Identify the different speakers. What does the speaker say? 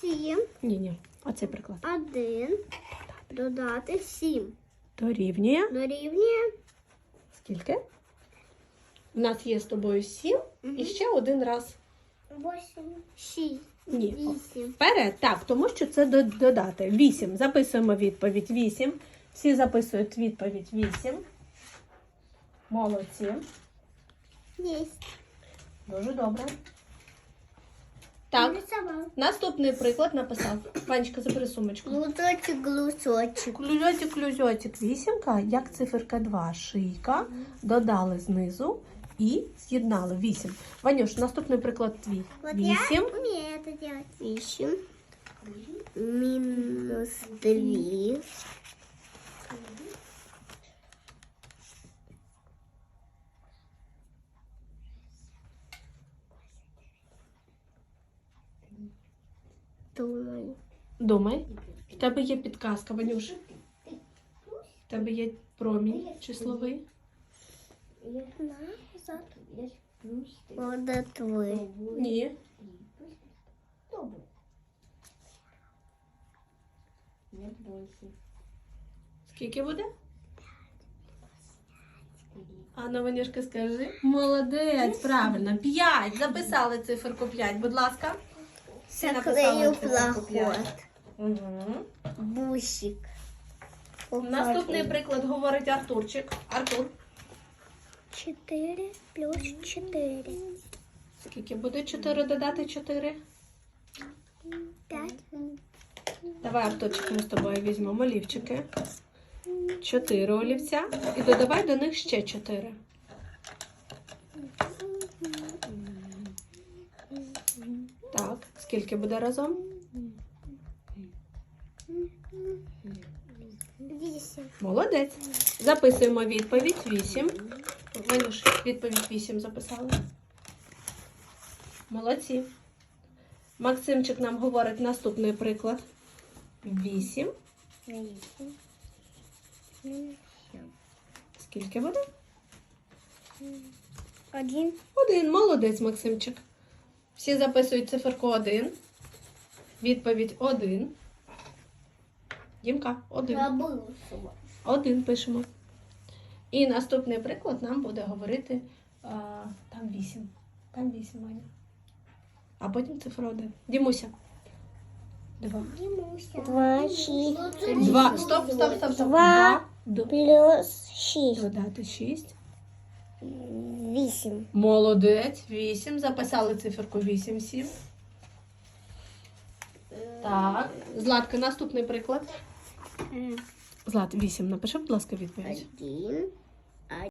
Speaker 1: 7.
Speaker 2: Ні. Оцей приклад.
Speaker 1: 1 додати 7.
Speaker 2: Дорівнює.
Speaker 1: Дорівнює.
Speaker 2: Скільки? У нас є з тобою 7 і ще один раз.
Speaker 1: 8. 6.
Speaker 2: Ні.
Speaker 1: 8.
Speaker 2: Вперед. Так, тому що це додати. 8. Записуємо відповідь 8. Всі записують відповідь 8. Молодці.
Speaker 1: Есть.
Speaker 2: Дуже добре. Так,
Speaker 1: Нарисовал.
Speaker 2: наступний приклад написав. Ванечка, забери сумочку.
Speaker 1: Глузочек, глузочек.
Speaker 2: Клюзотик. Вісімка, як циферка 2. Шийка. Додали знизу і з'єднали. 8. Ванюш, наступний приклад твій.
Speaker 1: Вот
Speaker 2: 8.
Speaker 1: я умею это делать. 8. Минус 3. Думаю.
Speaker 2: Думай. В тебе є підказка, Ванюш. В тебе є промінь числовий.
Speaker 1: Назад. Вода твой.
Speaker 2: Ні. Скільки буде? Анна, Ванюшка, скажи. Молодець, правильно. 5. Записали циферку 5, будь ласка. Всі написали
Speaker 1: Заклею
Speaker 2: циферку 5.
Speaker 1: плохот.
Speaker 2: Угу.
Speaker 1: Бусик.
Speaker 2: Наступний приклад говорить Артурчик. Артур.
Speaker 1: 4 плюс 4.
Speaker 2: Скільки буде 4 додати 4?
Speaker 1: 5.
Speaker 2: Давай, Артурчик, ми з тобою візьмемо олівчики. 4 олівця. І додавай до них ще 4. Так, скільки буде разом?
Speaker 1: 8.
Speaker 2: Молодець. Записуємо відповідь 8. Ванюш, відповідь 8 записали. Молодці. Максимчик нам говорить наступний приклад. 8. Скільки буде?
Speaker 1: 1.
Speaker 2: 1. Молодець, Максимчик. Всі записують циферку 1. Відповідь 1. Дімка, 1. 1 пишемо. І наступний приклад нам буде говорити там 8. Там 8, Маня. А потім цифра 1. Дімуся. 2.
Speaker 1: 2, 6.
Speaker 2: 2. Стоп.
Speaker 1: 2
Speaker 2: 2.
Speaker 1: плюс 6.
Speaker 2: Додати 6.
Speaker 1: 8.
Speaker 2: Молодець. 8. Записали циферку 8, 7. Так. Златка, наступний приклад. Злат, 8. Напиши, будь ласка, відповідь.
Speaker 1: 1.